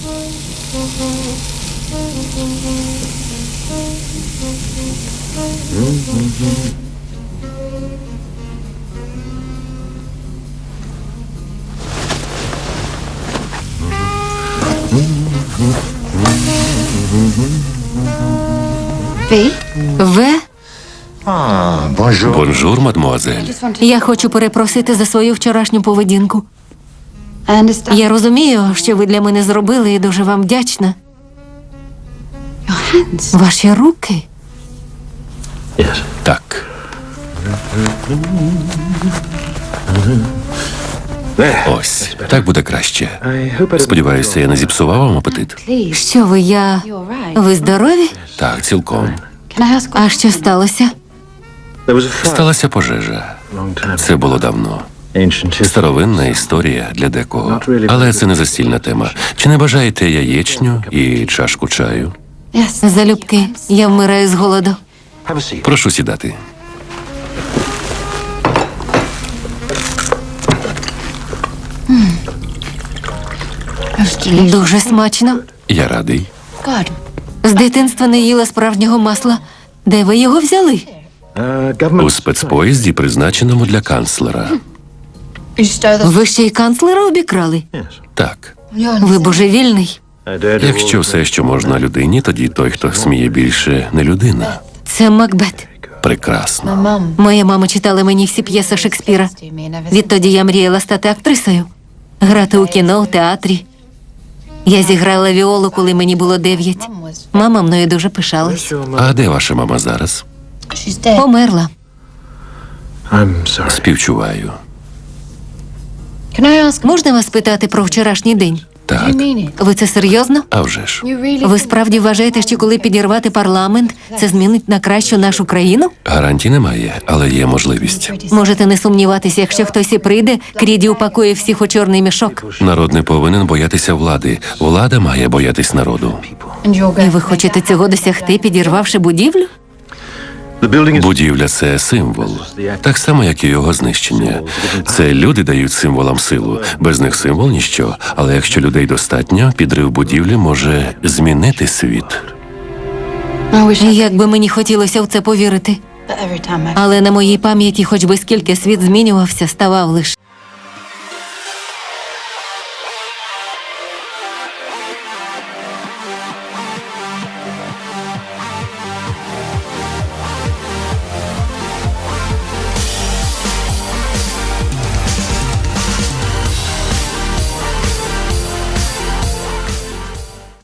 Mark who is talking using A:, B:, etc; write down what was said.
A: В?
B: Бонжур, мадмуазель.
A: Я хочу перепросити за свою вчорашню поведінку. Я розумію, що ви для мене зробили, і дуже вам вдячна. Ваші руки?
B: Так. Ось, так буде краще. Сподіваюся, я не зіпсував вам апетит?
A: Що ви, Ви здорові?
B: Так, цілком.
A: А що сталося?
B: Сталася пожежа. Це було давно. Старовинна історія для декого. Але це не застільна тема. Чи не бажаєте яєчню і чашку чаю?
A: Залюбки, я вмираю з голоду.
B: Прошу сідати.
A: Дуже смачно.
B: Я радий.
A: З дитинства не їла справжнього масла. Де ви його взяли?
B: У спецпоїзді, призначеному для канцлера.
A: Ви ще й канцлера обікрали?
B: Так.
A: Ви божевільний.
B: Якщо все, що можна людині, тоді той, хто сміє більше, не людина.
A: Це Макбет.
B: Прекрасно.
A: Моя мама читала мені всі п'єси Шекспіра. Відтоді я мріяла стати актрисою. Грати у кіно, у театрі. Я зіграла віолу, коли мені було 9. Мама мною дуже пишалась.
B: А де ваша мама зараз?
A: Померла.
B: Співчуваю.
A: Можна вас питати про вчорашній день?
B: Так.
A: Ви це серйозно?
B: А вже ж.
A: Ви справді вважаєте, що коли підірвати парламент, це змінить на кращу нашу країну?
B: Гарантій немає, але є можливість.
A: Можете не сумніватися, якщо хтось і прийде, Кріді упакує всіх у чорний мішок.
B: Народ не повинен боятися влади. Влада має боятись народу.
A: І ви хочете цього досягти, підірвавши будівлю?
B: Будівля – це символ. Так само, як і його знищення. Це люди дають символам силу. Без них символ – ніщо. Але якщо людей достатньо, підрив будівлі може змінити світ.
A: Як би мені хотілося в це повірити. Але на моїй пам'яті, хоч би скільки світ змінювався, ставав лише.